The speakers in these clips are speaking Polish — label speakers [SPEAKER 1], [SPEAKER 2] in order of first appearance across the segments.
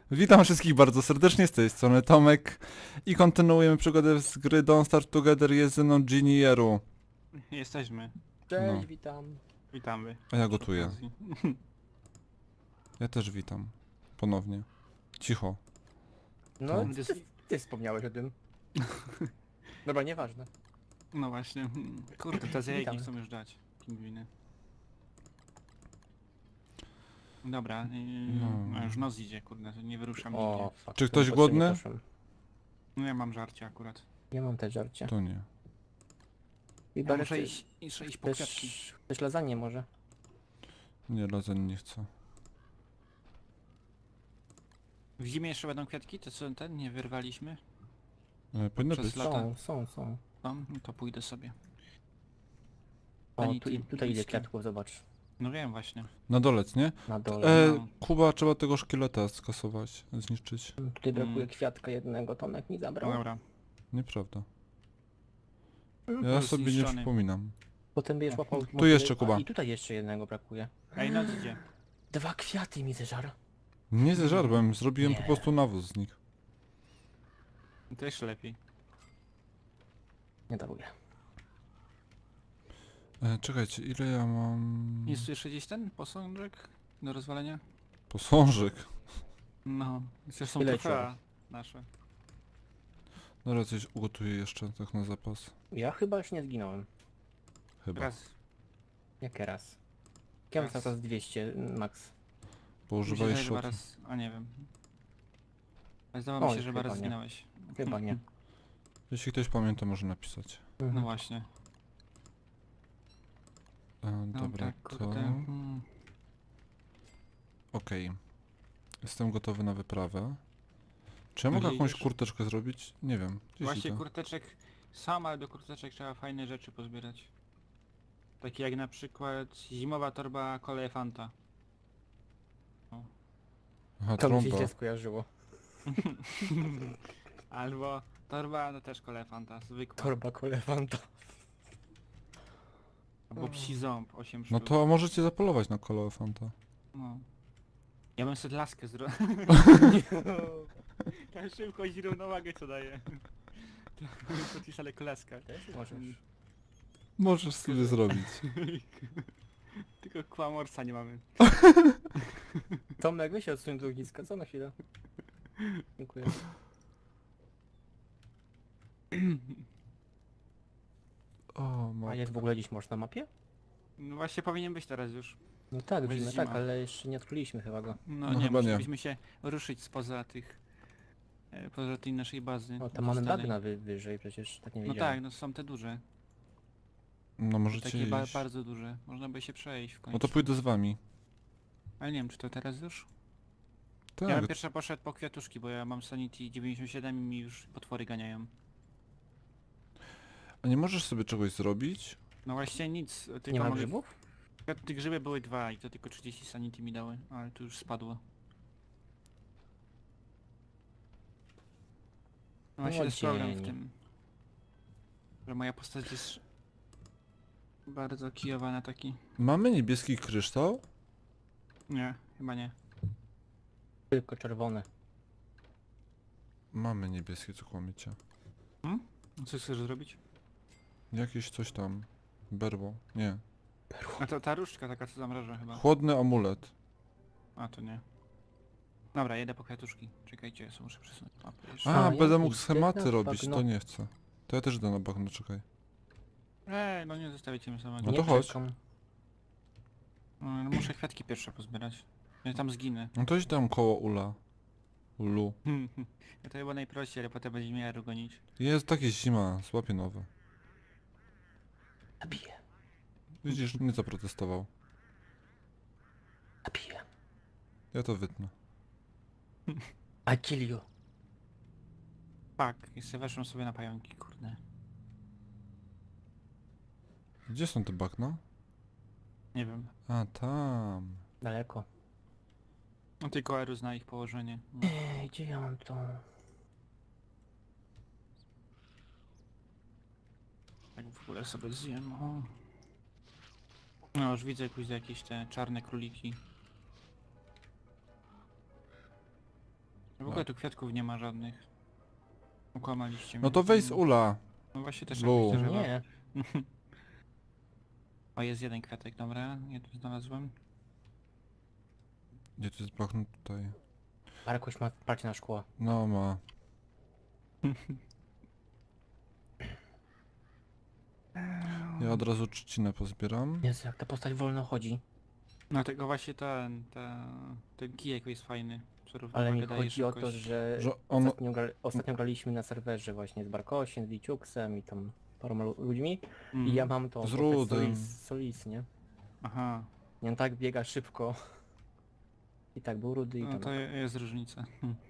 [SPEAKER 1] Witam wszystkich bardzo serdecznie, z tej strony Tomek i kontynuujemy przygodę z gry Don't Starve Together, jest ze mną Ginieru.
[SPEAKER 2] Jesteśmy.
[SPEAKER 3] Cześć,
[SPEAKER 1] No.
[SPEAKER 3] witam.
[SPEAKER 2] Witamy.
[SPEAKER 1] A ja
[SPEAKER 2] Przy
[SPEAKER 1] gotuję.
[SPEAKER 2] okazji.
[SPEAKER 1] Ja też witam. Ponownie. Cicho.
[SPEAKER 3] No,
[SPEAKER 1] To-
[SPEAKER 3] ty wspomniałeś o tym. Dobra, nieważne.
[SPEAKER 2] No właśnie. Kurde, te zjajki
[SPEAKER 3] Witamy.
[SPEAKER 2] chcą już dać. Pingwiny. Dobra,
[SPEAKER 1] No.
[SPEAKER 2] a już noc idzie, kurde, to nie wyruszam
[SPEAKER 3] O,
[SPEAKER 2] nigdzie.
[SPEAKER 3] fuck.
[SPEAKER 1] Czy ktoś
[SPEAKER 3] to
[SPEAKER 1] głodny?
[SPEAKER 3] nie poszłem.
[SPEAKER 2] No ja mam żarcie akurat.
[SPEAKER 3] Nie mam też żarcia.
[SPEAKER 1] To nie.
[SPEAKER 3] I
[SPEAKER 2] Ja muszę iść po kwiatki.
[SPEAKER 3] Też lasagne może.
[SPEAKER 1] Nie, lasań nie chcę.
[SPEAKER 2] W zimie jeszcze będą kwiatki? To co, ten nie wyrwaliśmy?
[SPEAKER 1] Powinno
[SPEAKER 2] Przez
[SPEAKER 1] być.
[SPEAKER 2] lata.
[SPEAKER 3] Są.
[SPEAKER 2] No, to pójdę sobie.
[SPEAKER 3] O,
[SPEAKER 2] Ani
[SPEAKER 3] tu,
[SPEAKER 2] ty-
[SPEAKER 3] tutaj ile
[SPEAKER 2] niskie.
[SPEAKER 3] kwiatków, zobacz.
[SPEAKER 2] No wiem właśnie.
[SPEAKER 1] Na dolec, nie?
[SPEAKER 3] Na dole.
[SPEAKER 2] No.
[SPEAKER 1] Kuba, trzeba tego szkieleta skasować, zniszczyć.
[SPEAKER 3] Tutaj brakuje kwiatka jednego, Tomek mi zabrał.
[SPEAKER 2] No dobra.
[SPEAKER 1] Nieprawda.
[SPEAKER 2] To
[SPEAKER 1] Ja
[SPEAKER 2] jest
[SPEAKER 1] sobie nie
[SPEAKER 2] zniszczony.
[SPEAKER 1] przypominam.
[SPEAKER 3] Potem będziesz łapał...
[SPEAKER 1] Tu jeszcze, Kuba.
[SPEAKER 3] I tutaj jeszcze jednego brakuje.
[SPEAKER 2] Ej, noc idzie.
[SPEAKER 3] 2 kwiaty mi zeżar.
[SPEAKER 1] Nie zeżarłem, zrobiłem
[SPEAKER 3] Nie.
[SPEAKER 1] po prostu nawóz z nich.
[SPEAKER 2] To jeszcze lepiej.
[SPEAKER 3] Nie daruję.
[SPEAKER 1] Czekajcie, ile ja mam...
[SPEAKER 2] Jest tu jeszcze gdzieś ten posążek do rozwalenia?
[SPEAKER 1] Posążek.
[SPEAKER 2] No, przecież są
[SPEAKER 3] Tyle
[SPEAKER 2] trofea nasze.
[SPEAKER 1] Dobra, coś ugotuję jeszcze, tak na zapas.
[SPEAKER 3] Ja chyba już nie zginąłem.
[SPEAKER 1] Chyba.
[SPEAKER 2] Raz.
[SPEAKER 3] Jak raz. Ja mam
[SPEAKER 2] Raz.
[SPEAKER 3] cały czas 200 max.
[SPEAKER 1] Bo
[SPEAKER 2] Mi się
[SPEAKER 1] używałeś
[SPEAKER 2] zdaje, że chyba
[SPEAKER 1] szotu.
[SPEAKER 2] raz, a nie wiem. Ale zdawało mi
[SPEAKER 3] Oj,
[SPEAKER 2] się, że chyba
[SPEAKER 3] chyba
[SPEAKER 2] raz
[SPEAKER 3] nie.
[SPEAKER 2] zginąłeś.
[SPEAKER 3] Chyba nie.
[SPEAKER 1] Jeśli ktoś pamięta, może napisać.
[SPEAKER 2] No
[SPEAKER 3] Mhm.
[SPEAKER 2] właśnie.
[SPEAKER 1] Dobra,
[SPEAKER 2] kurde.
[SPEAKER 1] to... Okej. Jestem gotowy na wyprawę. Czy ja mogę
[SPEAKER 2] Gdzie
[SPEAKER 1] jakąś
[SPEAKER 2] idziesz?
[SPEAKER 1] kurteczkę zrobić? Nie wiem. Gdzieś
[SPEAKER 2] Właśnie
[SPEAKER 1] idę.
[SPEAKER 2] kurteczek, sam, ale do kurteczek trzeba fajne rzeczy pozbierać. Takie jak na przykład zimowa torba koleje Fanta.
[SPEAKER 1] Aha,
[SPEAKER 3] To mi się
[SPEAKER 1] trąba.
[SPEAKER 3] źle skojarzyło.
[SPEAKER 2] Albo torba, no też koleje Fanta, zwykła.
[SPEAKER 3] Torba kolewanta.
[SPEAKER 2] Albo psi ząb, 8
[SPEAKER 1] No
[SPEAKER 2] sztuk.
[SPEAKER 1] to możecie zapolować na kolor Fanta.
[SPEAKER 2] No. Ja bym sobie laskę zrobił. Ta szybkość i równowagę co daje. To ci ale koleska.
[SPEAKER 3] Też możesz.
[SPEAKER 1] Możesz sobie zrobić.
[SPEAKER 2] Tylko kłamorca nie mamy.
[SPEAKER 3] Tomek, weź się odsuń do ogniska, co na chwilę? Dziękuję.
[SPEAKER 1] O,
[SPEAKER 3] A jest w ogóle gdzieś można na mapie?
[SPEAKER 2] No właśnie powinien być teraz już.
[SPEAKER 3] No tak,
[SPEAKER 2] Bez
[SPEAKER 3] widzimy,
[SPEAKER 2] zima.
[SPEAKER 3] tak, ale jeszcze nie odkryliśmy chyba go.
[SPEAKER 2] No,
[SPEAKER 1] No
[SPEAKER 2] nie,
[SPEAKER 1] chyba nie.
[SPEAKER 2] musielibyśmy się ruszyć spoza tych... poza tej naszej bazy.
[SPEAKER 3] O, tam mamy
[SPEAKER 2] zostanej.
[SPEAKER 3] bagna wyżej, przecież tak nie
[SPEAKER 2] No
[SPEAKER 3] wiedziałem.
[SPEAKER 2] tak, no są te duże.
[SPEAKER 1] No możecie
[SPEAKER 2] Takie
[SPEAKER 1] iść.
[SPEAKER 2] bardzo duże. Można by się przejść w końcu.
[SPEAKER 1] No to pójdę z wami.
[SPEAKER 2] Ale nie wiem, czy to teraz już?
[SPEAKER 1] Tak.
[SPEAKER 2] Ja bym pierwsza poszedł po kwiatuszki, bo ja mam Sanity 97 i mi już potwory ganiają.
[SPEAKER 1] A nie możesz sobie czegoś zrobić?
[SPEAKER 2] No właśnie nic, tylko
[SPEAKER 3] Nie ma
[SPEAKER 2] mogę...
[SPEAKER 3] grzybów?
[SPEAKER 2] Te grzyby były 2 i to tylko 30 Sanity mi dały, ale tu już spadło. No właśnie to jest problem w
[SPEAKER 3] dzień.
[SPEAKER 2] tym, że moja postać jest bardzo kijowa na taki...
[SPEAKER 1] Mamy niebieski kryształ?
[SPEAKER 2] Nie, chyba nie.
[SPEAKER 3] Tylko czerwone.
[SPEAKER 1] Mamy niebieskie, co kłamiecie.
[SPEAKER 2] Co chcesz zrobić?
[SPEAKER 1] Jakieś coś tam. Berło. Nie.
[SPEAKER 2] A to ta różdżka taka co zamraża chyba.
[SPEAKER 1] Chłodny amulet.
[SPEAKER 2] A to nie. Dobra, jedę po kwiatuszki. Czekajcie, ja muszę przesunąć mapę jeszcze.
[SPEAKER 1] A,
[SPEAKER 3] ja
[SPEAKER 1] będę mógł
[SPEAKER 3] idę
[SPEAKER 1] schematy
[SPEAKER 3] na
[SPEAKER 1] robić,
[SPEAKER 3] bagno.
[SPEAKER 1] to nie chcę. To ja też idę na bagno, czekaj.
[SPEAKER 2] No nie zostawicie mnie samego.
[SPEAKER 1] No
[SPEAKER 3] Nie
[SPEAKER 1] to chodź.
[SPEAKER 3] czekam.
[SPEAKER 2] No, muszę kwiatki pierwsze pozbierać. Ja tam zginę.
[SPEAKER 1] No to idź tam koło Ula. Ulu.
[SPEAKER 2] To chyba najprościej, ale potem będzie mnie gonić.
[SPEAKER 1] Jest takie zima, złapię nowe.
[SPEAKER 3] Zabiję.
[SPEAKER 1] Widzisz, nie zaprotestował.
[SPEAKER 3] Zabiję.
[SPEAKER 1] Ja to wytnę.
[SPEAKER 3] I kill you.
[SPEAKER 2] Tak, jeszcze weszłem sobie na pająki, kurde.
[SPEAKER 1] Gdzie są te bagna?
[SPEAKER 2] Nie wiem.
[SPEAKER 1] A, tam.
[SPEAKER 3] Daleko.
[SPEAKER 2] No tylko Eru zna ich położenie. No.
[SPEAKER 3] Gdzie ja mam to?
[SPEAKER 2] Tak w ogóle sobie zjem. O. No już widzę jakieś te czarne króliki. ogóle tu kwiatków nie ma żadnych. Okłamaliście mnie.
[SPEAKER 1] No to weź z ula.
[SPEAKER 2] No właśnie też
[SPEAKER 1] Blue.
[SPEAKER 2] jakieś
[SPEAKER 3] No
[SPEAKER 2] drzewa.
[SPEAKER 3] nie.
[SPEAKER 2] O, jest jeden kwiatek, dobra. Ja tu znalazłem.
[SPEAKER 1] Gdzie to jest bachnut tutaj?
[SPEAKER 3] Markuś ma parcie na szkło.
[SPEAKER 1] No ma. Ja od razu trzcinę pozbieram.
[SPEAKER 3] Jezu, jak ta postać wolno chodzi.
[SPEAKER 2] No tego właśnie ten kijek jest fajny. Co
[SPEAKER 3] Ale mi
[SPEAKER 2] równowagę daje
[SPEAKER 3] chodzi o to,
[SPEAKER 2] szybkość.
[SPEAKER 3] że
[SPEAKER 1] Że on...
[SPEAKER 3] ostatnio graliśmy na serwerze właśnie z Barkosiem, z Liciuksem i tam paroma ludźmi.
[SPEAKER 2] Mhm.
[SPEAKER 3] I ja mam tą
[SPEAKER 1] Z
[SPEAKER 3] postać
[SPEAKER 1] Rudym.
[SPEAKER 3] Solis, nie?
[SPEAKER 2] Aha,
[SPEAKER 3] I on tak biega szybko. I tak był rudy i
[SPEAKER 2] no
[SPEAKER 3] tam.
[SPEAKER 2] to jest różnica.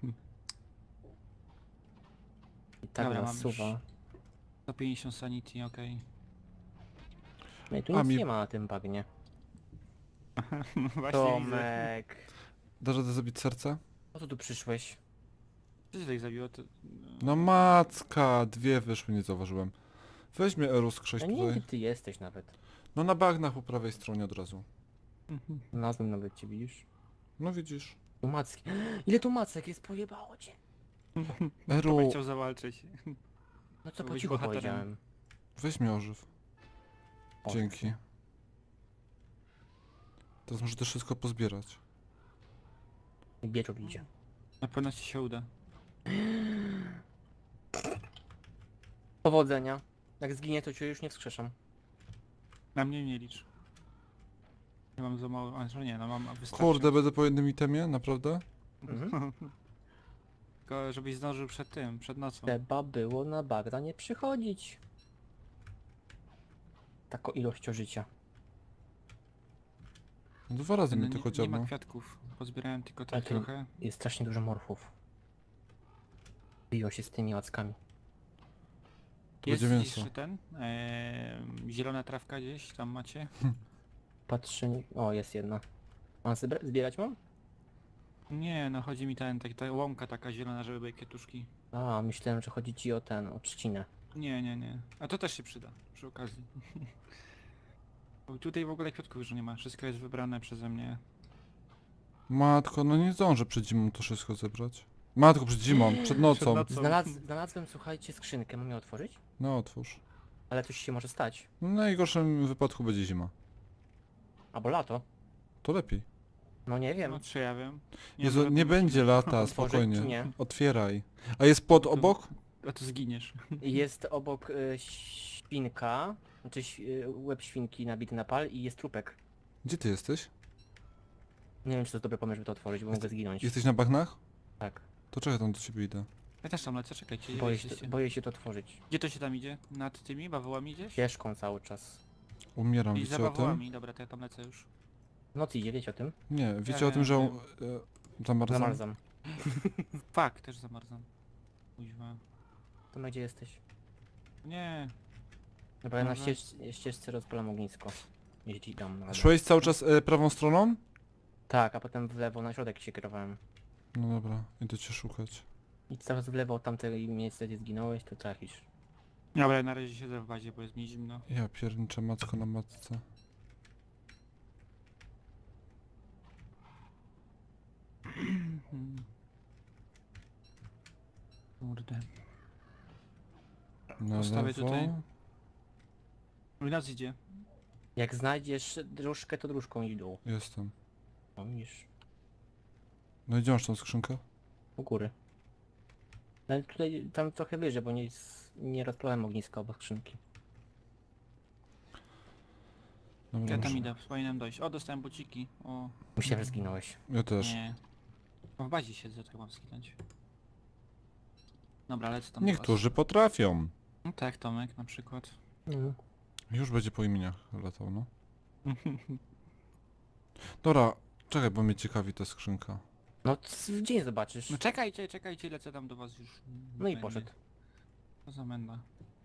[SPEAKER 3] I tak
[SPEAKER 2] Dobra,
[SPEAKER 3] nas
[SPEAKER 2] mam już.
[SPEAKER 3] suwa.
[SPEAKER 2] 150 sanity, okej.
[SPEAKER 3] No i tu
[SPEAKER 1] A
[SPEAKER 3] nic
[SPEAKER 1] mi-
[SPEAKER 3] nie ma na tym bagnie.
[SPEAKER 2] No właśnie widzę.
[SPEAKER 3] Tomek!
[SPEAKER 1] Dasz radę zabić serce?
[SPEAKER 3] Po co tu przyszłeś?
[SPEAKER 2] Co cię tak zabiło? To...
[SPEAKER 1] No macka! Dwie wyszły, nie zauważyłem. Weź mnie Eru skrześ
[SPEAKER 3] Ja nie wiem
[SPEAKER 1] tutaj.
[SPEAKER 3] gdzie ty jesteś nawet.
[SPEAKER 1] No na bagnach po prawej stronie od razu.
[SPEAKER 3] Nazwę nawet cię widzisz.
[SPEAKER 1] No widzisz.
[SPEAKER 3] Tu macki. Ile tu macek jest? Pojebało cię.
[SPEAKER 1] Eru,
[SPEAKER 2] Tomek chciał zawalczyć.
[SPEAKER 3] No co po
[SPEAKER 2] Byłeś
[SPEAKER 3] cichu
[SPEAKER 2] bohaterem.
[SPEAKER 3] powiedziałem.
[SPEAKER 1] weź mnie ożyw.
[SPEAKER 3] O,
[SPEAKER 1] Dzięki. Teraz muszę też wszystko pozbierać.
[SPEAKER 3] I Bieczor idzie.
[SPEAKER 2] Na pewno ci się uda.
[SPEAKER 3] Powodzenia. Jak zginie to cię już nie wskrzeszam.
[SPEAKER 2] Na mnie nie licz. Ja mam za mało, a że nie, no mam wystarczy.
[SPEAKER 1] Kurde, będę po jednym itemie? Naprawdę?
[SPEAKER 3] Mhm.
[SPEAKER 2] Tylko żebyś zdążył przed tym, przed nocą.
[SPEAKER 3] Trzeba było na bagna nie przychodzić. Taką ilością życia.
[SPEAKER 1] Dwa razy
[SPEAKER 2] No,
[SPEAKER 1] mnie tylko
[SPEAKER 2] nie ma
[SPEAKER 1] dziabnął.
[SPEAKER 2] kwiatków. Pozbierałem tylko
[SPEAKER 3] Ale
[SPEAKER 2] tak
[SPEAKER 3] to-
[SPEAKER 2] trochę.
[SPEAKER 3] Jest strasznie dużo morfów. Biją się z tymi łackami.
[SPEAKER 1] To
[SPEAKER 2] Jest
[SPEAKER 1] będzie
[SPEAKER 2] gdzieś
[SPEAKER 1] mięso.
[SPEAKER 2] ten? Zielona trawka gdzieś tam macie?
[SPEAKER 3] Patrzę... O, jest jedna. Mam zbierać mam?
[SPEAKER 2] Nie, no chodzi mi ta łąka taka zielona, żeby były kwiatuszki.
[SPEAKER 3] A, myślałem, że chodzi ci o o trzcinę.
[SPEAKER 2] Nie, nie, nie. A to też się przyda, przy okazji. Bo tutaj w ogóle kwiatków już nie ma, wszystko jest wybrane przeze mnie.
[SPEAKER 1] Matko, no nie zdążę przed zimą to wszystko zebrać. Matko, przed zimą, przed nocą.
[SPEAKER 2] nocą.
[SPEAKER 3] Znalazłem, słuchajcie, skrzynkę. Mam ją otworzyć?
[SPEAKER 1] No otwórz.
[SPEAKER 3] Ale coś się może stać.
[SPEAKER 1] No, w najgorszym wypadku będzie zima.
[SPEAKER 3] Albo lato.
[SPEAKER 1] To lepiej.
[SPEAKER 3] No nie wiem.
[SPEAKER 2] No czy ja wiem.
[SPEAKER 1] Jezu,
[SPEAKER 2] może
[SPEAKER 1] nie
[SPEAKER 2] to
[SPEAKER 1] będzie lata,
[SPEAKER 3] Otworzyć
[SPEAKER 1] spokojnie.
[SPEAKER 3] czy nie?
[SPEAKER 1] Otwieraj. A jest płot
[SPEAKER 2] To-
[SPEAKER 1] obok?
[SPEAKER 2] A to zginiesz.
[SPEAKER 3] Jest obok świnka, znaczy łeb świnki nabity na pal i jest trupek.
[SPEAKER 1] Gdzie ty jesteś?
[SPEAKER 3] Nie wiem, czy to jest dobry pomysł, żeby to otworzyć, bo mogę zginąć.
[SPEAKER 1] Jesteś na bagnach?
[SPEAKER 3] Tak.
[SPEAKER 1] To czekaj, tam do ciebie idę.
[SPEAKER 2] Ja też tam lecę, czekajcie. gdzie
[SPEAKER 3] Boję
[SPEAKER 2] jesteście?
[SPEAKER 3] boję się to otworzyć.
[SPEAKER 2] Gdzie to się tam idzie? Nad tymi bawołami gdzieś?
[SPEAKER 3] Ścieżką cały czas.
[SPEAKER 1] Umieram,
[SPEAKER 2] I za
[SPEAKER 1] wiecie o tym?
[SPEAKER 2] bawołami, dobra, to ja tam lecę już.
[SPEAKER 3] Noc idzie, wiecie o tym?
[SPEAKER 1] Nie, wiecie
[SPEAKER 2] Ja
[SPEAKER 1] o tym, że
[SPEAKER 2] wiem.
[SPEAKER 1] zamarzam?
[SPEAKER 3] Zamarzam.
[SPEAKER 2] Fak, też zamarzam. Kuźwa.
[SPEAKER 3] To gdzie jesteś?
[SPEAKER 2] Nie,
[SPEAKER 3] Dobra, ja na
[SPEAKER 2] Dobra.
[SPEAKER 3] ścieżce rozpalam ognisko. Jeśli dam radę.
[SPEAKER 1] Szłeś cały czas prawą stroną?
[SPEAKER 3] Tak, a potem w lewo na środek się kierowałem.
[SPEAKER 1] No dobra, idę cię szukać.
[SPEAKER 3] I cały czas w lewo od tamtej miejsca, gdzie zginąłeś, to trafisz.
[SPEAKER 2] dobra, na razie siedzę w bazie, bo jest mi zimno.
[SPEAKER 1] Ja pierniczę macko na matce.
[SPEAKER 2] Kurde.
[SPEAKER 1] Na
[SPEAKER 2] Postawię
[SPEAKER 1] lewo.
[SPEAKER 2] tutaj. U nas idzie.
[SPEAKER 3] Jak znajdziesz dróżkę, to dróżką idź w dół.
[SPEAKER 1] Jestem.
[SPEAKER 3] No widzisz,
[SPEAKER 1] No i gdzie masz tą skrzynkę?
[SPEAKER 3] u góry. Ale tutaj, tam trochę wyżej, bo nie rozpalałem ogniska obok skrzynki.
[SPEAKER 1] Dobra,
[SPEAKER 2] Ja tam
[SPEAKER 1] muszę-
[SPEAKER 2] idę, powinienem dojść. O, dostałem buciki. O,
[SPEAKER 3] Myślałem, że zginąłeś.
[SPEAKER 1] Ja też.
[SPEAKER 2] nie. No w bazie siedzę, tak mam skinąć. Dobra, lecę tam do
[SPEAKER 1] Niektórzy potrafią.
[SPEAKER 2] was. No tak, Tomek na przykład.
[SPEAKER 1] Już będzie po imieniach latał, no. Dobra, czekaj, bo mnie ciekawi ta skrzynka.
[SPEAKER 3] No w dzień zobaczysz.
[SPEAKER 2] No czekajcie, czekajcie, lecę tam do was już.
[SPEAKER 3] No i
[SPEAKER 2] Fajnie.
[SPEAKER 3] poszedł.
[SPEAKER 2] Co za menda.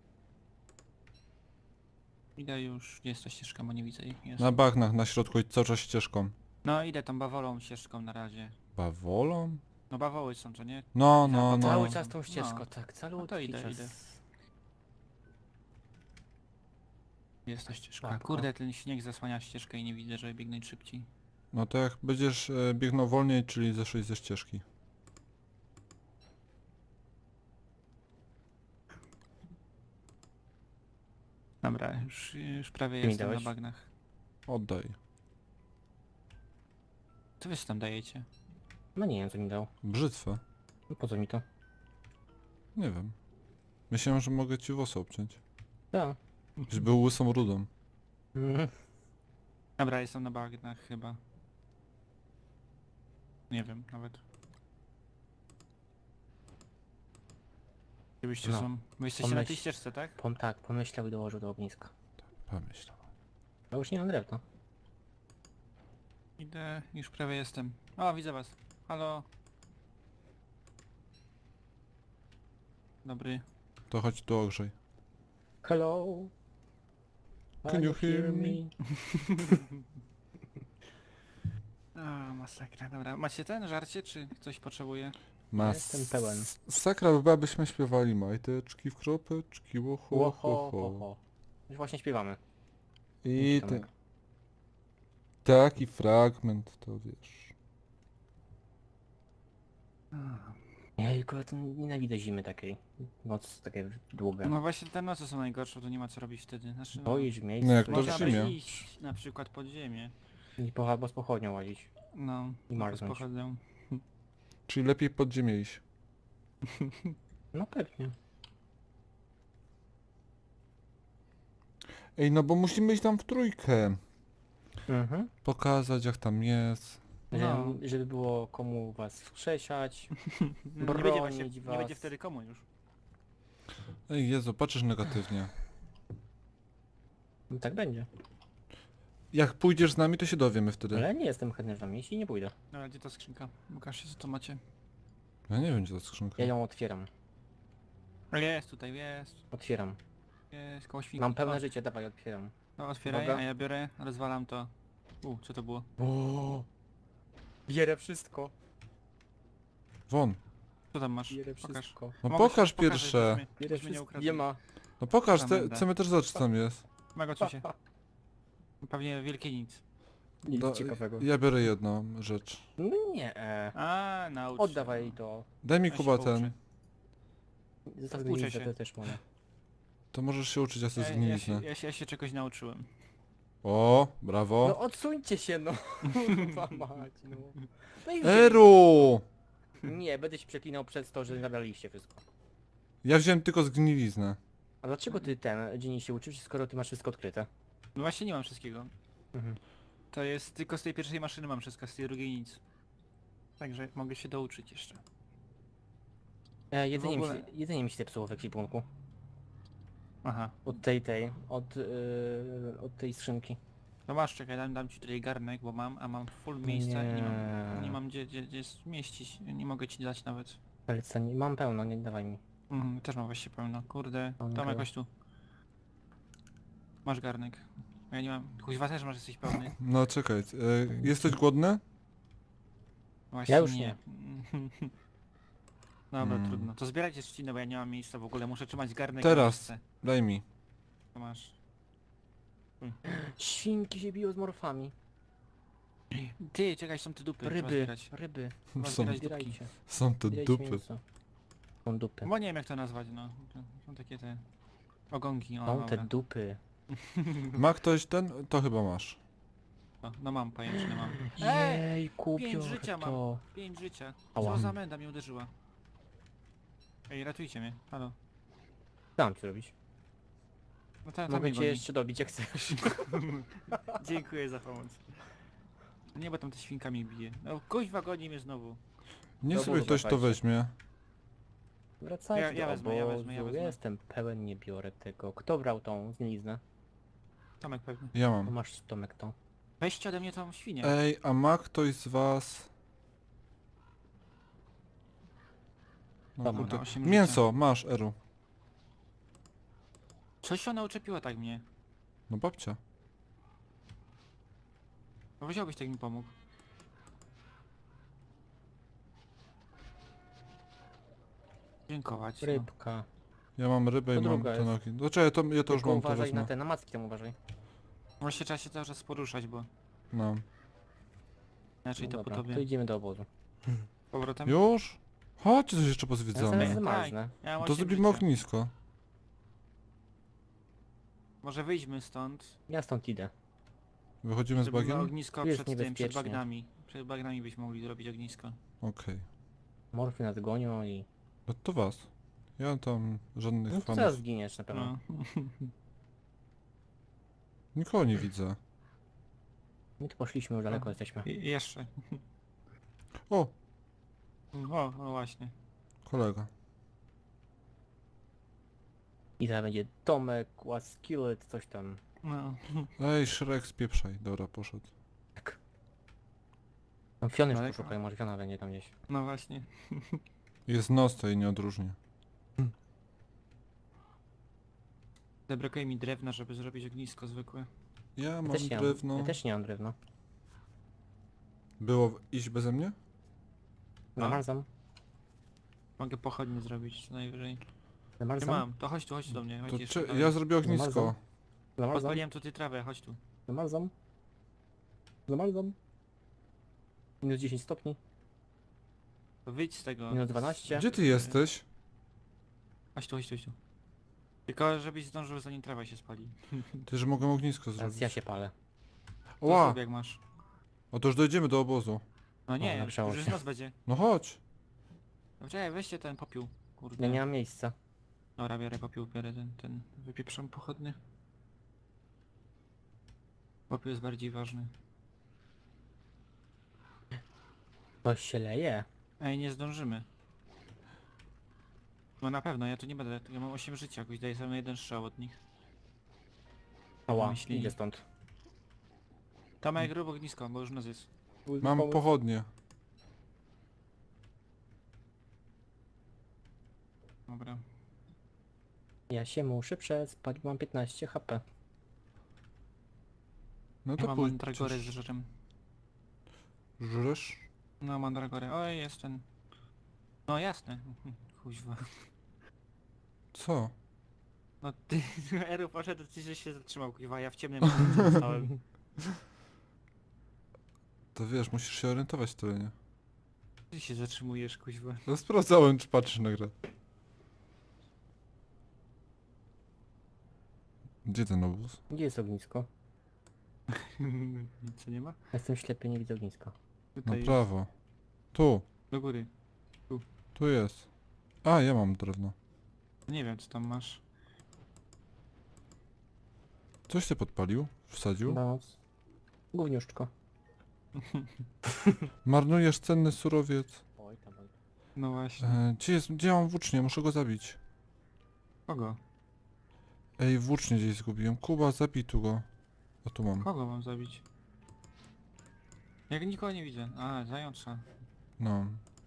[SPEAKER 2] Idę już, gdzie jest ta ścieżka, bo nie widzę jej. Jest.
[SPEAKER 1] Na bagnach, na środku i cały czas ścieżką.
[SPEAKER 2] No idę tam bawolą ścieżką na razie.
[SPEAKER 1] Bawolą?
[SPEAKER 2] No bawoły są, co nie?
[SPEAKER 1] No, no, no.
[SPEAKER 3] Cały czas tą ścieżką,
[SPEAKER 2] No.
[SPEAKER 3] tak, cały
[SPEAKER 2] No to idę,
[SPEAKER 3] czas.
[SPEAKER 2] idę. Jest ta ścieżka.
[SPEAKER 3] Spoko.
[SPEAKER 2] Kurde, ten śnieg zasłania ścieżkę i nie widzę, żeby biegnąć szybciej.
[SPEAKER 1] No to jak będziesz biegnął wolniej, czyli zeszłeś ze ścieżki.
[SPEAKER 2] Dobra, już prawie
[SPEAKER 3] Ty mi
[SPEAKER 2] jestem na
[SPEAKER 3] dałeś?
[SPEAKER 2] bagnach.
[SPEAKER 1] Oddaj.
[SPEAKER 2] Co wy tam dajecie?
[SPEAKER 3] No nie wiem co mi dał.
[SPEAKER 1] Brzytwę.
[SPEAKER 3] No po co mi to?
[SPEAKER 1] Nie wiem. Myślałem, że mogę ci włosy obciąć.
[SPEAKER 3] Tak.
[SPEAKER 1] Żebyś był łysą rudą.
[SPEAKER 3] Mhm.
[SPEAKER 2] Dobra, jestem na bagnach chyba. Nie wiem nawet. Gdzie byście
[SPEAKER 3] No.
[SPEAKER 2] są? Wy jesteście na tej
[SPEAKER 3] Pomyśl-
[SPEAKER 2] ścieżce, tak?
[SPEAKER 3] Tak, pomyślał i dołożył do ogniska.
[SPEAKER 1] Pomyśl.
[SPEAKER 3] No już nie mam drewna.
[SPEAKER 2] Idę, już prawie jestem. O, widzę was. Halo. Dobry.
[SPEAKER 1] To chodź tu ogrzej.
[SPEAKER 3] Hello.
[SPEAKER 1] Can you hear me?
[SPEAKER 2] A, masakra, dobra. Macie ten żarcie, czy coś potrzebuje?
[SPEAKER 3] Jestem pełen.
[SPEAKER 1] Sakra by była, byśmy śpiewali majteczki w kropeczki, łoho,
[SPEAKER 3] Ło,
[SPEAKER 1] ho,
[SPEAKER 3] ho,
[SPEAKER 1] ho.
[SPEAKER 3] ho. Już właśnie śpiewamy.
[SPEAKER 1] I
[SPEAKER 3] Tomek.
[SPEAKER 1] taki fragment, to wiesz.
[SPEAKER 3] Jejku, to nienawidzę zimy takiej. Noc takie długa.
[SPEAKER 2] No właśnie te noce są najgorsze, to nie ma co robić wtedy. Znaczy, no,
[SPEAKER 3] Boisz
[SPEAKER 1] No
[SPEAKER 3] miejsce,
[SPEAKER 1] jak
[SPEAKER 3] to
[SPEAKER 1] to
[SPEAKER 2] można
[SPEAKER 1] w
[SPEAKER 2] by
[SPEAKER 1] zimie.
[SPEAKER 2] iść na przykład pod ziemię.
[SPEAKER 3] i albo z pochodnią łazić.
[SPEAKER 2] No,
[SPEAKER 3] I marznąć.
[SPEAKER 2] pochodzę.
[SPEAKER 1] Czyli lepiej pod ziemię iść.
[SPEAKER 3] No pewnie.
[SPEAKER 1] Ej, no bo musimy iść tam w trójkę.
[SPEAKER 3] Mhm.
[SPEAKER 1] Pokazać jak tam jest.
[SPEAKER 2] No.
[SPEAKER 3] Żeby było komu was wskrzeszać.
[SPEAKER 2] Nie będzie, właśnie,
[SPEAKER 3] Bronić
[SPEAKER 2] nie
[SPEAKER 3] was.
[SPEAKER 2] będzie wtedy komu już.
[SPEAKER 1] Ej, Jezu, patrzysz negatywnie.
[SPEAKER 3] No tak będzie.
[SPEAKER 1] Jak pójdziesz z nami, to się dowiemy wtedy.
[SPEAKER 3] Ale nie jestem chętny wam jeśli nie pójdę.
[SPEAKER 2] Dobra, gdzie ta skrzynka? Pokażcie co to macie.
[SPEAKER 1] Ja nie wiem, gdzie ta skrzynka.
[SPEAKER 3] Ja ją otwieram.
[SPEAKER 2] Jest tutaj, jest.
[SPEAKER 3] Otwieram.
[SPEAKER 2] Jest, koło świnki.
[SPEAKER 3] Mam pełne
[SPEAKER 2] O,
[SPEAKER 3] życie, dawaj otwieram.
[SPEAKER 2] no, otwieraj,
[SPEAKER 3] Uwaga.
[SPEAKER 2] a ja biorę, rozwalam to. Co to było?
[SPEAKER 3] O, bierę wszystko.
[SPEAKER 1] Won.
[SPEAKER 2] Co tam masz?
[SPEAKER 3] Bierę
[SPEAKER 2] Pokaż.
[SPEAKER 3] wszystko.
[SPEAKER 1] No
[SPEAKER 2] Mogę
[SPEAKER 1] pokaż
[SPEAKER 2] ci pokazać,
[SPEAKER 1] pierwsze.
[SPEAKER 2] byśmy-
[SPEAKER 3] Bierę
[SPEAKER 2] byśmy nie
[SPEAKER 3] wszystko.
[SPEAKER 2] ukradli.
[SPEAKER 3] Nie ma.
[SPEAKER 1] No pokaż,
[SPEAKER 2] Tam
[SPEAKER 1] te,
[SPEAKER 2] będę.
[SPEAKER 1] chcemy też zobaczyć co tam jest.
[SPEAKER 2] Mego cię. Pewnie wielkie nic.
[SPEAKER 3] Nic
[SPEAKER 1] Do-
[SPEAKER 3] ciekawego.
[SPEAKER 1] Ja biorę jedną rzecz.
[SPEAKER 3] No nie.
[SPEAKER 2] A, naucz się,
[SPEAKER 3] Oddawaj
[SPEAKER 2] no.
[SPEAKER 3] to.
[SPEAKER 1] Daj mi
[SPEAKER 2] Ja się
[SPEAKER 1] Kuba
[SPEAKER 2] pouczę.
[SPEAKER 1] ten.
[SPEAKER 3] Zostaw
[SPEAKER 2] Uczę
[SPEAKER 3] glinę,
[SPEAKER 2] się.
[SPEAKER 3] to też mogę.
[SPEAKER 1] To możesz się uczyć, ja sobie
[SPEAKER 2] Ja
[SPEAKER 1] zgniliznę.
[SPEAKER 2] się czegoś nauczyłem.
[SPEAKER 1] O,
[SPEAKER 3] No
[SPEAKER 1] brawo.
[SPEAKER 3] odsuńcie się no. Kurwa mać no. No i
[SPEAKER 1] Eru!
[SPEAKER 3] nie, będę się przeklinał przez to, że nabraliście wszystko.
[SPEAKER 1] Ja wziąłem tylko zgniliznę.
[SPEAKER 3] A dlaczego ty dziennie się uczysz, skoro ty masz wszystko odkryte?
[SPEAKER 2] No właśnie nie mam wszystkiego.
[SPEAKER 3] Mhm.
[SPEAKER 2] To jest tylko z tej pierwszej maszyny mam wszystko, z tej drugiej nic. Także mogę się douczyć jeszcze.
[SPEAKER 3] Jedzenie,
[SPEAKER 2] ogóle-
[SPEAKER 3] jedzenie mi się zepsuło w ekwipunku.
[SPEAKER 2] Aha.
[SPEAKER 3] Od od tej skrzynki.
[SPEAKER 2] No masz, czekaj, dam ci tutaj garnek, bo mam, a mam full miejsca i
[SPEAKER 3] Nie.
[SPEAKER 2] nie mam gdzie zmieścić. Nie mogę ci dać nawet.
[SPEAKER 3] Ale co, nie, mam pełno, nie dawaj mi.
[SPEAKER 2] Też mam właściwie pełno. Kurde,
[SPEAKER 3] Mam
[SPEAKER 2] tam
[SPEAKER 3] pełno.
[SPEAKER 2] jakoś tu. Masz garnek. Ja nie mam. Kuźwa też masz, jesteś pełny.
[SPEAKER 1] No czekaj, jesteś głodny?
[SPEAKER 2] Właśnie
[SPEAKER 3] Ja już nie.
[SPEAKER 2] Dobra,
[SPEAKER 1] Hmm.
[SPEAKER 2] trudno. To zbierajcie trzcinę, bo ja nie mam miejsca w ogóle. Muszę trzymać garnek
[SPEAKER 1] Teraz.
[SPEAKER 2] na miejsce.
[SPEAKER 1] Daj mi.
[SPEAKER 2] To masz.
[SPEAKER 3] Świnki się biją z morfami.
[SPEAKER 2] Ty, czekaj, są te dupy. trzeba
[SPEAKER 3] Ryby,
[SPEAKER 2] zbierać.
[SPEAKER 3] ryby.
[SPEAKER 2] Trzeba
[SPEAKER 1] Są,
[SPEAKER 2] zbierać dupki.
[SPEAKER 3] Zbierajcie.
[SPEAKER 1] są te
[SPEAKER 3] Zbierajcie
[SPEAKER 1] dupy.
[SPEAKER 3] mięso. Są dupy.
[SPEAKER 2] Bo nie wiem jak to nazwać, no. Są takie te... Ogonki, o
[SPEAKER 3] Są te
[SPEAKER 2] dobra.
[SPEAKER 3] dupy.
[SPEAKER 1] Ma ktoś ten? To chyba masz.
[SPEAKER 2] No mam pajęczny, mam.
[SPEAKER 3] Jej,
[SPEAKER 2] 5
[SPEAKER 3] kupił
[SPEAKER 2] życia mam.
[SPEAKER 3] to.
[SPEAKER 2] 5 życia.
[SPEAKER 3] Ała.
[SPEAKER 2] Co za menda mnie uderzyła. Ej, ratujcie mnie. Halo.
[SPEAKER 3] Co mam ci robić?
[SPEAKER 2] No tam
[SPEAKER 3] Mogę
[SPEAKER 2] mnie
[SPEAKER 3] cię
[SPEAKER 2] goni.
[SPEAKER 3] jeszcze dobić jak chcesz.
[SPEAKER 2] Dziękuję za pomoc. Nie, bo tam te świnkami bije. No kuźwa goni mnie znowu.
[SPEAKER 1] Nie
[SPEAKER 3] Do
[SPEAKER 1] sobie
[SPEAKER 3] obozu
[SPEAKER 1] ktoś to
[SPEAKER 3] dawajcie.
[SPEAKER 1] weźmie.
[SPEAKER 3] Wracajcie
[SPEAKER 2] Ja
[SPEAKER 3] do
[SPEAKER 2] wezmę, ja
[SPEAKER 3] obozu.
[SPEAKER 2] wezmę, ja wezmę.
[SPEAKER 3] Jestem pełen, nie biorę tego. Kto brał tą zgniliznę?
[SPEAKER 2] Tomek pewnie.
[SPEAKER 1] Ja
[SPEAKER 3] No
[SPEAKER 1] mam.
[SPEAKER 3] masz Tomek tą.
[SPEAKER 2] Weźcie ode mnie tą świnię.
[SPEAKER 1] Ej, a ma ktoś z was... No,
[SPEAKER 3] Dobra,
[SPEAKER 1] kurde.
[SPEAKER 2] 8 życia.
[SPEAKER 1] Mięso, masz, Eru.
[SPEAKER 2] Coś ona uczepiła tak mnie.
[SPEAKER 1] No babcia.
[SPEAKER 2] No wziąłbyś tak mi pomógł. Dziękować. No.
[SPEAKER 3] Rybka.
[SPEAKER 1] Ja mam rybę
[SPEAKER 3] To
[SPEAKER 1] i mam
[SPEAKER 3] druga
[SPEAKER 1] te
[SPEAKER 3] jest.
[SPEAKER 1] nogi. No czekaj, to, ja to już
[SPEAKER 3] Tylko
[SPEAKER 1] mam, to
[SPEAKER 3] uważaj na
[SPEAKER 1] wezmę.
[SPEAKER 3] te, na macki tam uważaj.
[SPEAKER 2] Właśnie trzeba się cały czas poruszać, bo
[SPEAKER 1] No.
[SPEAKER 2] inaczej
[SPEAKER 3] No
[SPEAKER 2] to
[SPEAKER 3] dobra,
[SPEAKER 2] po
[SPEAKER 3] to
[SPEAKER 2] tobie.
[SPEAKER 3] idziemy do obozu.
[SPEAKER 2] Powrotem.
[SPEAKER 1] Już? Chodźcie, coś jeszcze
[SPEAKER 3] Ja
[SPEAKER 1] pozwiedzamy.
[SPEAKER 3] zaraz
[SPEAKER 2] Tak.
[SPEAKER 3] zmarznę.
[SPEAKER 2] Ja mam
[SPEAKER 1] To
[SPEAKER 2] 8
[SPEAKER 1] zrobimy
[SPEAKER 2] życia.
[SPEAKER 1] ognisko.
[SPEAKER 2] Może wyjdźmy stąd.
[SPEAKER 3] Ja stąd idę.
[SPEAKER 1] Wychodzimy z
[SPEAKER 2] Zrobimy
[SPEAKER 1] bagiem?
[SPEAKER 2] ognisko
[SPEAKER 3] Tu jest
[SPEAKER 2] przed tym, przed
[SPEAKER 3] niebezpiecznie.
[SPEAKER 2] bagnami. Przed bagnami byśmy mogli zrobić ognisko.
[SPEAKER 1] Okej.
[SPEAKER 3] Morfy nas gonią i...
[SPEAKER 1] No to was. Ja tam żadnych
[SPEAKER 3] No to
[SPEAKER 1] fanów.
[SPEAKER 3] zaraz zginiesz na pewno.
[SPEAKER 2] No.
[SPEAKER 1] Nikogo nie widzę.
[SPEAKER 3] My tu poszliśmy, już daleko jesteśmy.
[SPEAKER 2] I jeszcze.
[SPEAKER 1] O!
[SPEAKER 2] O, no właśnie.
[SPEAKER 1] Kolega.
[SPEAKER 3] I zaraz będzie Tomek, Skillet, coś tam.
[SPEAKER 2] No.
[SPEAKER 1] Ej, Shrek, spieprzaj. Dobra, poszedł.
[SPEAKER 3] Tak. Tam Fiony już
[SPEAKER 2] Daleko?
[SPEAKER 3] poszukaj, może Fiona będzie tam gdzieś.
[SPEAKER 2] No właśnie.
[SPEAKER 1] Jest nos, to jej nie odróżnię.
[SPEAKER 2] Zabrakuje mi drewna, żeby zrobić ognisko zwykłe.
[SPEAKER 1] Ja mam
[SPEAKER 3] Też nie
[SPEAKER 1] drewno.
[SPEAKER 3] mam, ja też nie mam drewna.
[SPEAKER 1] Było iść beze mnie?
[SPEAKER 2] A?
[SPEAKER 3] Zamarzam.
[SPEAKER 2] Mogę pochodnie zrobić co najwyżej. Nie
[SPEAKER 3] Zamarzam.
[SPEAKER 2] mam, to chodź tu do mnie. Chodź
[SPEAKER 1] To
[SPEAKER 2] jeszcze
[SPEAKER 1] ja
[SPEAKER 2] dalej.
[SPEAKER 1] zrobię ognisko.
[SPEAKER 3] Zamarzam. Zamarzam.
[SPEAKER 2] Podpaliłem tutaj trawę, chodź tu.
[SPEAKER 3] Zamarzam. Zamarzam. Minus 10 stopni.
[SPEAKER 2] To wyjdź z tego.
[SPEAKER 3] Minus 12.
[SPEAKER 1] Gdzie ty jesteś?
[SPEAKER 2] Chodź tu, chodź tu, chodź tu. Tylko żebyś zdążył zanim trawa się spali.
[SPEAKER 1] Ty, że mogę ognisko
[SPEAKER 3] Teraz
[SPEAKER 1] zrobić.
[SPEAKER 3] ja się palę.
[SPEAKER 2] To
[SPEAKER 1] Ła!
[SPEAKER 2] zrób jak masz.
[SPEAKER 1] O, to już dojdziemy do obozu.
[SPEAKER 2] No nie,
[SPEAKER 3] nagrzało
[SPEAKER 2] już
[SPEAKER 3] się.
[SPEAKER 2] noc będzie.
[SPEAKER 1] No chodź.
[SPEAKER 2] No czekaj, weźcie ten popiół. Kurde.
[SPEAKER 3] Ja nie mam miejsca.
[SPEAKER 2] Dobra, biorę popiół, biorę ten wypieprzam pochodny. Popiół jest bardziej ważny.
[SPEAKER 3] Coś się leje.
[SPEAKER 2] Ej, nie zdążymy. No na pewno, ja tu nie będę, ja mam 8 życia, jakoś daję sobie jeden strzał od nich.
[SPEAKER 3] Ała,
[SPEAKER 2] Myśli.
[SPEAKER 3] idę stąd.
[SPEAKER 2] Tomek, rób ognisko, bo już noc jest.
[SPEAKER 1] Mam pochodnie.
[SPEAKER 2] Dobra.
[SPEAKER 3] Ja się muszę przespać, bo mam 15 HP.
[SPEAKER 1] No
[SPEAKER 2] Ja
[SPEAKER 1] to
[SPEAKER 2] mam
[SPEAKER 1] pójdź.
[SPEAKER 2] mandragorę z żerem.
[SPEAKER 1] Żresz?
[SPEAKER 2] No mandragorę, oj jest ten. No jasne. Kuźwa.
[SPEAKER 1] Co?
[SPEAKER 2] No ty, Eru poszedł, ty że się zatrzymał, kuźwa, ja w ciemnym miejscu zostałem.
[SPEAKER 1] To wiesz, musisz się orientować w terenie.
[SPEAKER 2] Ty się zatrzymujesz, kuźwa.
[SPEAKER 1] No sprawdzałem, czy patrzysz na grę. Gdzie ten obóz?
[SPEAKER 3] Gdzie jest ognisko?
[SPEAKER 2] Nic nie ma?
[SPEAKER 3] Ja jestem ślepy, nie widzę ogniska.
[SPEAKER 1] Na
[SPEAKER 2] Tutaj,
[SPEAKER 1] prawo. Tu.
[SPEAKER 2] do góry.
[SPEAKER 1] Tu jest. A, ja mam drewno.
[SPEAKER 2] Nie wiem co tam masz.
[SPEAKER 1] Coś ty podpalił? Wsadził?
[SPEAKER 3] Noc. Gówniuszczko.
[SPEAKER 1] Marnujesz cenny surowiec.
[SPEAKER 3] Oj tam, oj.
[SPEAKER 2] No właśnie.
[SPEAKER 1] Gdzie mam włócznie? Muszę go zabić.
[SPEAKER 2] Kogo?
[SPEAKER 1] Ej, włócznie gdzieś zgubiłem. Kuba, zabij tu go. A tu mam.
[SPEAKER 2] Kogo mam zabić? Jak nikogo nie widzę. A, zająca.
[SPEAKER 1] No.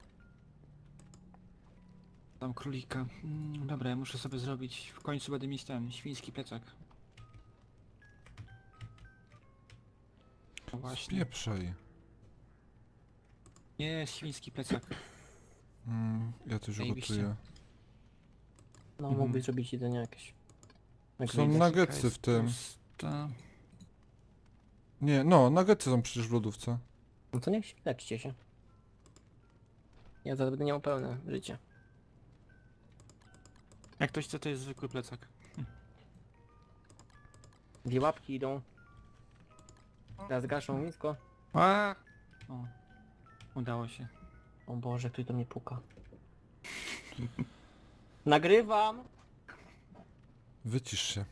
[SPEAKER 2] Tam królika. Dobra, ja muszę sobie zrobić. W końcu będę mieć ten świński plecak. No właśnie.
[SPEAKER 1] Spieprzaj.
[SPEAKER 2] Jest świński plecak.
[SPEAKER 1] Ja coś
[SPEAKER 2] Zajebiście.
[SPEAKER 1] ugotuję.
[SPEAKER 3] No
[SPEAKER 2] Mhm.
[SPEAKER 3] mógłbyś zrobić jedzenie jakieś. Jak
[SPEAKER 1] Są
[SPEAKER 3] wyjdę.
[SPEAKER 1] nuggetsy w tym.
[SPEAKER 2] Pusta.
[SPEAKER 1] Nie, no, nuggetsy są przecież w lodówce.
[SPEAKER 3] No to niech się leczcie się. Ja zaraz będę miał pełne życie.
[SPEAKER 2] Jak ktoś chce, to jest zwykły plecak.
[SPEAKER 3] Dwie łapki idą. Teraz gaszą ognisko.
[SPEAKER 2] A! O. Udało się.
[SPEAKER 3] O Boże, ktoś do mnie puka. Nagrywam!
[SPEAKER 1] Wycisz się.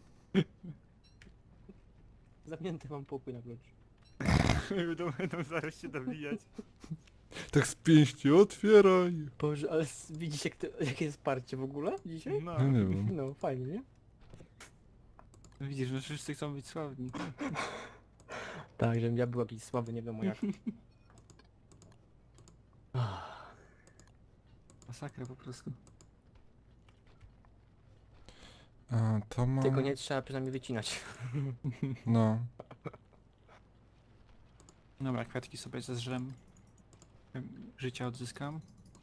[SPEAKER 3] Zamknięty mam pokój na klucz.
[SPEAKER 2] Będą zaraz się dobijać.
[SPEAKER 1] Tak z pięści, otwieraj!
[SPEAKER 3] Boże, ale widzicie jakie jest parcie w ogóle dzisiaj?
[SPEAKER 2] No.
[SPEAKER 1] Ja nie wiem.
[SPEAKER 3] No, fajnie, nie?
[SPEAKER 2] Widzisz, że wszyscy chcą być sławni.
[SPEAKER 3] Tak, żebym ja był jakiś słaby, nie wiadomo jak.
[SPEAKER 2] Masakra po prostu.
[SPEAKER 1] A, to mam...
[SPEAKER 3] Tego nie trzeba przynajmniej wycinać.
[SPEAKER 1] No.
[SPEAKER 2] Dobra, kwiatki sobie zeżrem. Życia odzyskam.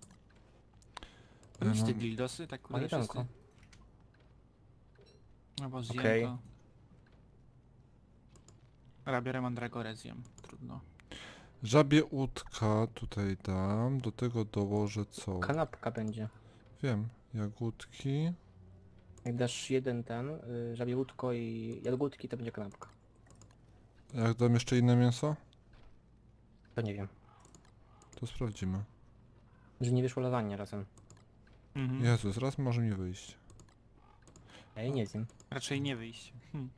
[SPEAKER 1] Ja
[SPEAKER 2] Nic te
[SPEAKER 1] mam-
[SPEAKER 2] dildosy, tak kurde wszyscy.
[SPEAKER 3] Majdanko.
[SPEAKER 2] No bo zjem
[SPEAKER 3] Okej.
[SPEAKER 2] to. Dobra, biorę mandragorę, zjem. Trudno.
[SPEAKER 1] Żabie łódka tutaj dam. Do tego dołożę co?
[SPEAKER 3] Kanapka będzie.
[SPEAKER 1] Wiem. Jagódki.
[SPEAKER 3] Jak dasz jeden ten, żabie łódko i jagódki, to będzie kanapka.
[SPEAKER 1] Jak dam jeszcze inne mięso,
[SPEAKER 3] To nie wiem.
[SPEAKER 1] to sprawdzimy.
[SPEAKER 3] Że nie wyszło lasagne razem.
[SPEAKER 2] Mhm.
[SPEAKER 1] Jezus, raz może mi wyjść.
[SPEAKER 3] Ja jej nie zjem.
[SPEAKER 2] Raczej nie wyjść.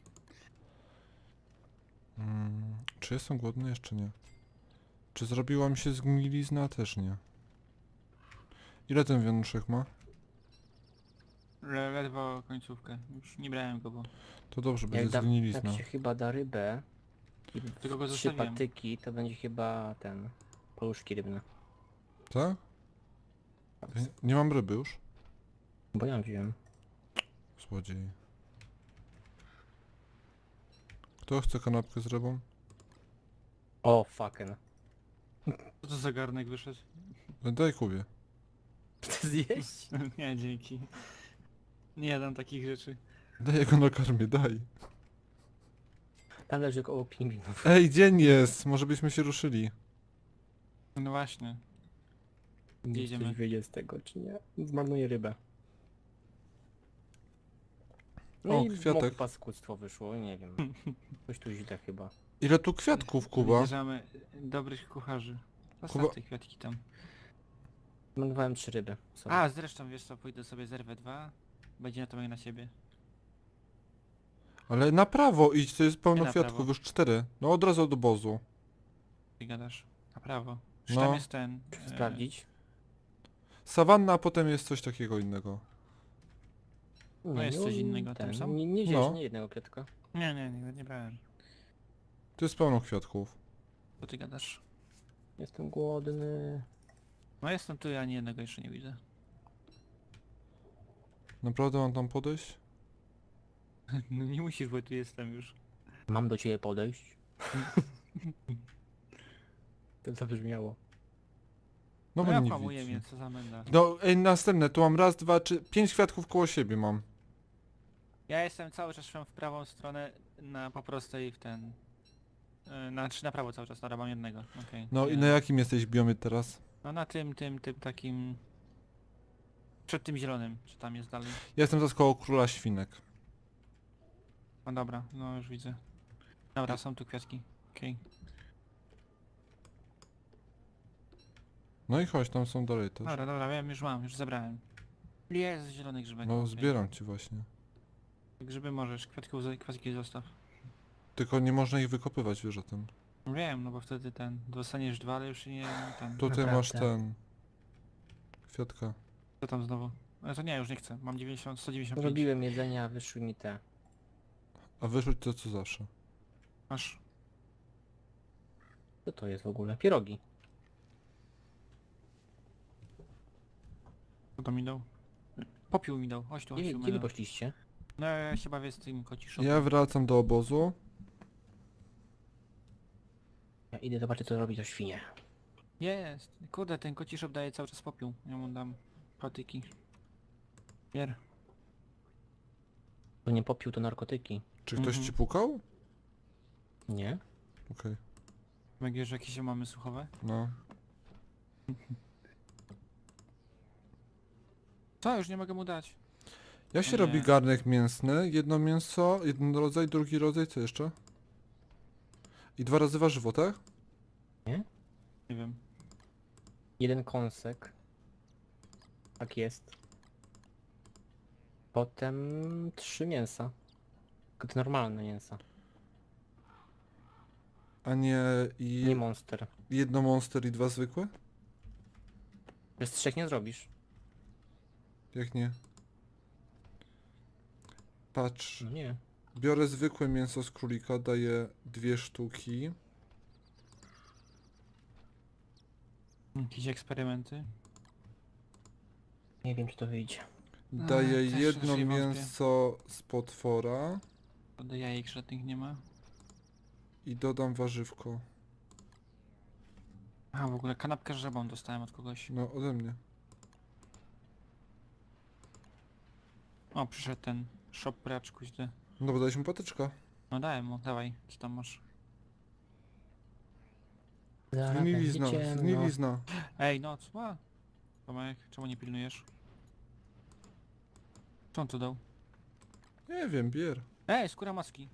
[SPEAKER 1] Czy jestem głodny? Jeszcze nie. Czy zrobiła mi się zgnilizna? Też nie. Ile ten wianuszek ma?
[SPEAKER 2] Ledwo końcówkę. Już nie brałem go, bo
[SPEAKER 3] Jak,
[SPEAKER 1] To dobrze, będzie zgnilizna.
[SPEAKER 3] jak się chyba da rybę i
[SPEAKER 2] tylko go
[SPEAKER 3] 3
[SPEAKER 2] zostawiłem.
[SPEAKER 3] patyki, to będzie chyba ten... Paluszki rybne.
[SPEAKER 1] Tak? Nie mam ryby już?
[SPEAKER 3] Bo ja wziąłem.
[SPEAKER 1] Złodziej. Kto chce kanapkę z rybą?
[SPEAKER 3] O, fucking.
[SPEAKER 2] Co to za garnek wyszedł?
[SPEAKER 1] Daj Kubie.
[SPEAKER 3] Chcę zjeść?
[SPEAKER 2] Nie, dzięki. Nie jadam takich rzeczy.
[SPEAKER 1] Daj go na karmie, daj.
[SPEAKER 3] Tam leży koło pingwinów.
[SPEAKER 1] Ej, dzień jest! Może byśmy się ruszyli.
[SPEAKER 2] No właśnie.
[SPEAKER 3] Nie
[SPEAKER 2] Jedziemy.
[SPEAKER 3] coś wyjdzie z tego, czy nie? Zmarnuję rybę. No
[SPEAKER 1] O,
[SPEAKER 3] i
[SPEAKER 1] kwiatek.
[SPEAKER 3] moje paskudztwo wyszło, nie wiem. Coś tu źle chyba.
[SPEAKER 1] Ile tu kwiatków, Kuba?
[SPEAKER 2] Wybierzemy dobrych kucharzy. Zostaw
[SPEAKER 1] Kuba-
[SPEAKER 2] te kwiatki tam.
[SPEAKER 3] Zmarnowałem 3 ryby. Sorry.
[SPEAKER 2] A, zresztą wiesz co, pójdę sobie zerwę 2. Będzie na to jak na siebie.
[SPEAKER 1] Ale na prawo idź, to jest pełno
[SPEAKER 2] Nie na
[SPEAKER 1] kwiatków,
[SPEAKER 2] prawo.
[SPEAKER 1] już 4. No od razu od obozu.
[SPEAKER 2] Ty gadasz. Na prawo. Już
[SPEAKER 1] No.
[SPEAKER 2] tam jest ten.
[SPEAKER 3] Sprawdzić.
[SPEAKER 1] Sawanna, a potem jest coś takiego innego.
[SPEAKER 2] No jest coś innego tam są?
[SPEAKER 3] Nie wziąłeś
[SPEAKER 1] No.
[SPEAKER 3] nie jednego kwiatka.
[SPEAKER 2] Nie brałem.
[SPEAKER 1] Tu jest pełno kwiatków.
[SPEAKER 2] Co ty gadasz?
[SPEAKER 3] Jestem głodny.
[SPEAKER 2] No jestem tu, ja ani jednego jeszcze nie widzę.
[SPEAKER 1] Naprawdę mam tam podejść?
[SPEAKER 2] No nie musisz, bo tu jestem już.
[SPEAKER 3] Mam do ciebie podejść. To zabrzmiało.
[SPEAKER 1] No
[SPEAKER 2] No
[SPEAKER 1] bo
[SPEAKER 2] ja
[SPEAKER 1] nie
[SPEAKER 2] kłamuję
[SPEAKER 1] widzi.
[SPEAKER 2] mnie, co za menda.
[SPEAKER 1] No ej, następne, tu mam raz, dwa, trzy, 5 kwiatków koło siebie mam.
[SPEAKER 2] Ja jestem cały czas szłem w prawą stronę, na po prostej w ten... Czy na prawo cały czas, dobra, mam jednego. Okej.
[SPEAKER 1] No i na jakim jesteś biomie teraz?
[SPEAKER 2] No na tym takim... Przed tym zielonym, czy tam jest dalej.
[SPEAKER 1] Ja jestem teraz koło króla świnek.
[SPEAKER 2] No dobra, no już widzę. Dobra, są tu kwiatki. Okej.
[SPEAKER 1] No i chodź, tam są dalej też.
[SPEAKER 2] Dobra, wiem, już mam, już zebrałem. Jest zielony grzybek.
[SPEAKER 1] No
[SPEAKER 2] okej.
[SPEAKER 1] zbieram ci właśnie.
[SPEAKER 2] Grzyby możesz, kwiatki zostaw.
[SPEAKER 1] Tylko nie można ich wykopywać, wiesz o tym.
[SPEAKER 2] Wiem, no bo wtedy dostaniesz 2, ale już nie ten.
[SPEAKER 1] Tutaj
[SPEAKER 3] Naprawdę.
[SPEAKER 1] masz ten... Kwiatka.
[SPEAKER 2] Co tam znowu? Ale to nie, już nie chcę. Mam 195.
[SPEAKER 3] Robiłem jedzenia, a wyszły mi te.
[SPEAKER 1] A wyrzuć to co zawsze.
[SPEAKER 2] Masz.
[SPEAKER 3] Co to jest w ogóle? Pierogi.
[SPEAKER 2] Co to mi dał? Popiół mi dał. Chodź tu, chodź tu.
[SPEAKER 3] Gdzie wy
[SPEAKER 2] Melo.
[SPEAKER 3] poszliście?
[SPEAKER 2] No ja się bawię z tym kociszem.
[SPEAKER 1] Ja wracam do obozu.
[SPEAKER 3] Ja idę zobaczyć co robi to świnie.
[SPEAKER 2] Jest. Kurde, ten kociszop daje cały czas popiół. Ja mu dam patyki. Bier.
[SPEAKER 3] To nie popiół, to narkotyki.
[SPEAKER 1] Czy ktoś
[SPEAKER 2] Mhm.
[SPEAKER 1] ci pukał?
[SPEAKER 3] Nie?
[SPEAKER 1] Okej,
[SPEAKER 2] Wiesz, jakieś mamy słuchowe?
[SPEAKER 1] no.
[SPEAKER 2] Co? Już nie mogę mu dać.
[SPEAKER 1] Jak się
[SPEAKER 2] O
[SPEAKER 1] robi
[SPEAKER 2] nie.
[SPEAKER 1] garnek mięsny? Jedno mięso, jeden rodzaj, drugi rodzaj, co jeszcze? I 2 razy warzywo, tak?
[SPEAKER 2] Nie wiem.
[SPEAKER 3] Jeden kąsek. Tak jest. Potem 3 mięsa. Tylko te normalne mięsa.
[SPEAKER 1] A nie
[SPEAKER 3] Nie monster.
[SPEAKER 1] jedno monster i 2 zwykłe?
[SPEAKER 3] Bez 3 nie zrobisz.
[SPEAKER 1] Jak nie? Patrz,
[SPEAKER 3] No nie.
[SPEAKER 1] biorę zwykłe mięso z królika, daję 2 sztuki.
[SPEAKER 2] Jakieś eksperymenty?
[SPEAKER 3] Nie wiem czy to wyjdzie.
[SPEAKER 1] Daję
[SPEAKER 2] też
[SPEAKER 1] jedno
[SPEAKER 2] raczej wątpię.
[SPEAKER 1] mięso z potwora
[SPEAKER 2] Od jajek żadnych nie ma.
[SPEAKER 1] i dodam warzywko.
[SPEAKER 2] A w ogóle kanapkę z żabą dostałem od kogoś.
[SPEAKER 1] No, ode mnie.
[SPEAKER 2] O, przyszedł ten shop praczku źle.
[SPEAKER 1] No bo dałeś mu patyczka.
[SPEAKER 2] No dałem mu, dawaj, co tam masz?
[SPEAKER 3] Zaraz
[SPEAKER 1] Zgnilizna,
[SPEAKER 3] będzie ciemno.
[SPEAKER 1] zgnilizna.
[SPEAKER 2] Ej, no co? Tomek, czemu nie pilnujesz? Co on tu dał?
[SPEAKER 1] Nie wiem, bier.
[SPEAKER 2] Skóra maski.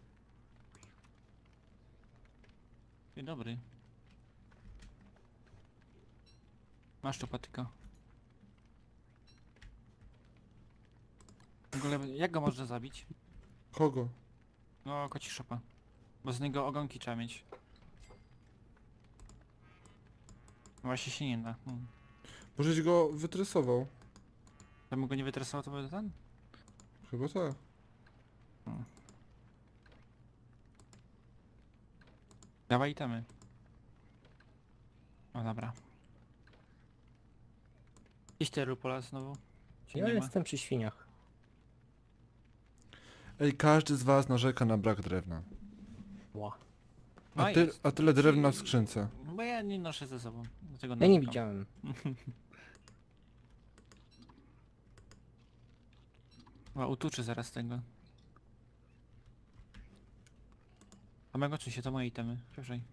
[SPEAKER 2] Dzień dobry. Masz tu patyka. W ogóle, jak go można zabić?
[SPEAKER 1] Kogo?
[SPEAKER 2] No, koci szopa. Bo z niego ogonki trzeba mieć. Właśnie się nie da.
[SPEAKER 1] Możeś go wytresował.
[SPEAKER 2] To bym go nie wytresował, to by ten?
[SPEAKER 1] Chyba tak.
[SPEAKER 2] Dawaj itemy. O dobra. Gdzieś te rupola znowu? Czy
[SPEAKER 3] Ja
[SPEAKER 2] nie ma?
[SPEAKER 3] jestem przy świniach.
[SPEAKER 1] Ej, każdy z was narzeka na brak drewna.
[SPEAKER 3] Ła.
[SPEAKER 2] No
[SPEAKER 1] A,
[SPEAKER 2] jest.
[SPEAKER 1] a tyle drewna w skrzynce.
[SPEAKER 2] No bo ja nie noszę ze sobą. Dlatego
[SPEAKER 3] Ja nie
[SPEAKER 2] narzekam.
[SPEAKER 3] widziałem.
[SPEAKER 2] O, utuczy zaraz tego. A mego czy się to moje itemy? Proszę.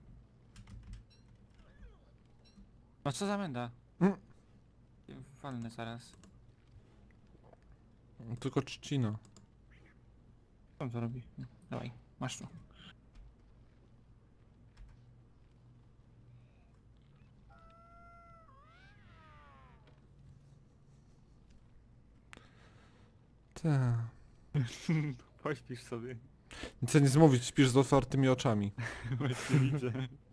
[SPEAKER 2] No co za menda?
[SPEAKER 1] Mm.
[SPEAKER 2] Walnę zaraz.
[SPEAKER 1] Tylko trzcina.
[SPEAKER 2] Co on to robi? Dawaj, masz tu.
[SPEAKER 1] Tak.
[SPEAKER 2] Pośpisz sobie.
[SPEAKER 1] Nic nie zmówić, śpisz z otwartymi oczami.
[SPEAKER 2] Właśnie widzę.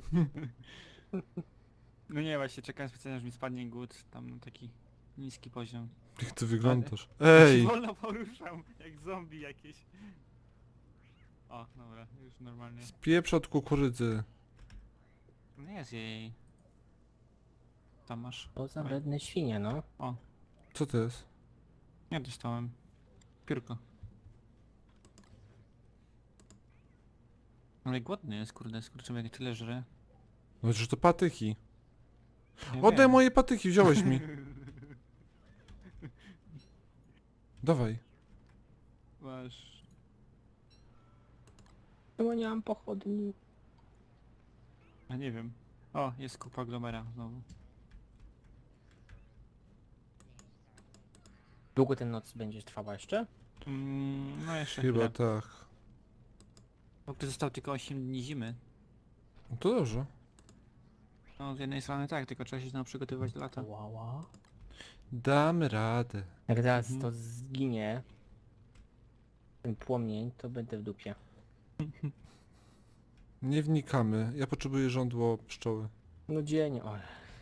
[SPEAKER 2] No nie, właśnie czekałem specjalnie, aż mi spadnie głód tam na taki niski poziom.
[SPEAKER 1] Jak ty wyglądasz?
[SPEAKER 2] Ja się
[SPEAKER 1] Ej!
[SPEAKER 2] wolno poruszam, jak zombie jakieś. O, dobra, już normalnie.
[SPEAKER 1] Spieprz od kukurydzy.
[SPEAKER 2] Nie jest jej. Tam masz.
[SPEAKER 3] To za
[SPEAKER 2] Oj.
[SPEAKER 3] wredne świnie, no.
[SPEAKER 1] Co to jest?
[SPEAKER 2] Ja dostałem. Piórko. Ale głodny jest, kurde, skurczymy jak tyle żre.
[SPEAKER 1] No że to patyki.
[SPEAKER 2] Ja
[SPEAKER 1] Oddaj
[SPEAKER 2] wiem.
[SPEAKER 1] moje patyki, wziąłeś mi. Dawaj.
[SPEAKER 2] Masz.
[SPEAKER 3] Chyba nie mam pochodni.
[SPEAKER 2] A nie wiem. O, jest kupa glomera znowu.
[SPEAKER 3] Długo ten noc będzie trwała jeszcze?
[SPEAKER 2] No jeszcze
[SPEAKER 1] Chyba
[SPEAKER 2] chwilę.
[SPEAKER 1] tak.
[SPEAKER 2] Bo tu zostało tylko 8 dni zimy.
[SPEAKER 1] No to dobrze.
[SPEAKER 2] No z jednej strony tak, tylko trzeba się znowu przygotowywać do lata.
[SPEAKER 3] Łała.
[SPEAKER 1] Damy radę.
[SPEAKER 3] Jak teraz
[SPEAKER 2] Mhm.
[SPEAKER 3] to zginie, ten płomień, to będę w dupie.
[SPEAKER 1] Nie wnikamy. Ja potrzebuję żądło pszczoły.
[SPEAKER 3] No dzień, oj.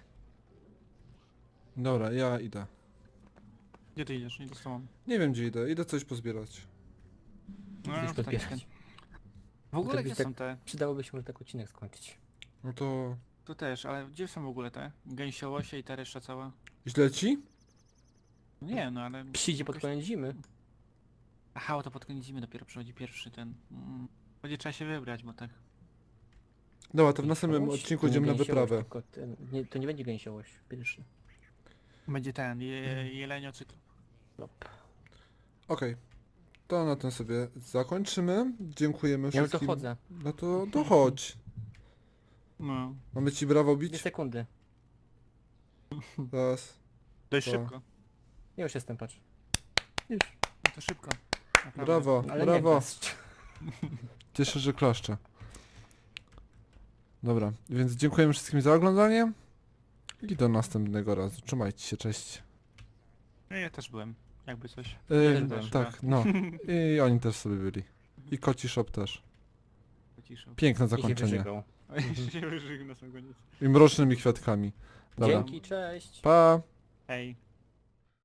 [SPEAKER 1] Dobra, ja idę.
[SPEAKER 2] Gdzie ty idziesz? Nie dostałam.
[SPEAKER 1] Nie wiem gdzie idę. Idę coś pozbierać.
[SPEAKER 2] No,
[SPEAKER 3] Gdzieś
[SPEAKER 2] tak
[SPEAKER 3] podbierać.
[SPEAKER 2] jest. W ogóle
[SPEAKER 3] To
[SPEAKER 2] gdzie
[SPEAKER 3] byś tak-
[SPEAKER 2] są te?
[SPEAKER 3] Przydałoby się może tak odcinek skończyć.
[SPEAKER 1] No to...
[SPEAKER 2] Tu też, ale gdzie są w ogóle te? Gęsiołosie i ta reszta cała?
[SPEAKER 1] Źle ci?
[SPEAKER 2] Nie, no ale...
[SPEAKER 3] Przyjdzie pod koniec zimy.
[SPEAKER 2] Aha, o to pod koniec zimy dopiero przychodzi pierwszy ten... Będzie trzeba się wybrać, bo tak...
[SPEAKER 1] Dobra, to w następnym
[SPEAKER 3] Gęsiołość?
[SPEAKER 1] odcinku
[SPEAKER 3] To nie
[SPEAKER 1] idziemy na
[SPEAKER 3] gęsiołość,
[SPEAKER 1] wyprawę.
[SPEAKER 3] tylko to nie będzie gęsiołość pierwszy.
[SPEAKER 2] Będzie ten, jeleniocykl.
[SPEAKER 3] Lop.
[SPEAKER 1] Okej. To na tym sobie zakończymy. Dziękujemy
[SPEAKER 3] Ja już
[SPEAKER 1] wszystkim.
[SPEAKER 3] dochodzę.
[SPEAKER 1] No to dochodź.
[SPEAKER 2] No,
[SPEAKER 1] Mamy ci brawo
[SPEAKER 3] 2
[SPEAKER 1] bić?
[SPEAKER 3] sekundy.
[SPEAKER 1] Raz.
[SPEAKER 2] dość
[SPEAKER 1] To.
[SPEAKER 2] szybko.
[SPEAKER 3] Ja już jestem, patrz. Już.
[SPEAKER 2] No to szybko. Naprawdę.
[SPEAKER 1] Brawo,
[SPEAKER 3] Ale nie
[SPEAKER 1] brawo.
[SPEAKER 3] klaszcz.
[SPEAKER 1] Cieszę, że klaszczę. Dobra, więc dziękujemy wszystkim za oglądanie. I do następnego razu. Trzymajcie się, cześć.
[SPEAKER 2] No ja też byłem, jakby coś.
[SPEAKER 3] też byłem.
[SPEAKER 1] Tak, no. I oni też sobie byli. I Koci Shop też.
[SPEAKER 2] Pociszał.
[SPEAKER 1] Piękne
[SPEAKER 3] I się
[SPEAKER 1] zakończenie.
[SPEAKER 3] wyżygał.
[SPEAKER 2] A jeszcze się wyżygnął na sam koniec.
[SPEAKER 1] I mrocznymi kwiatkami. Dobra.
[SPEAKER 3] Dzięki, cześć.
[SPEAKER 1] Pa!
[SPEAKER 2] Hej.